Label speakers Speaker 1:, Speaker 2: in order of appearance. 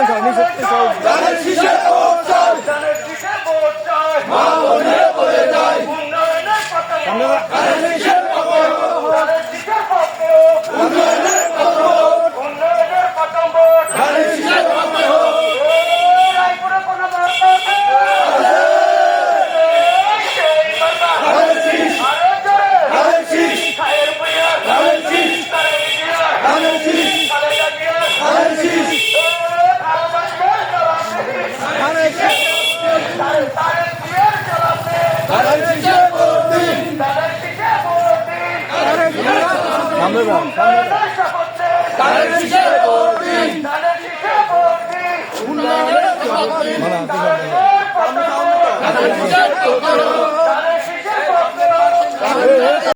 Speaker 1: ধানের শীষে ভোট চাই, মা মনে পড়ে যায়, উন্নয়নের পক্ষে ভোট, উন্নয়নের পক্ষে ভোট, ধানের শীষের পক্ষে ভোট। ধানের শীষ, ধানের শীষ, ধানের শীষ, ধানের শীষ, ধানের শীষ, ধানের শীষে ভোট দিন, ধানের শীষে ভোট দিন, উন্নয়নের পক্ষে, ধানের শীষের পক্ষে,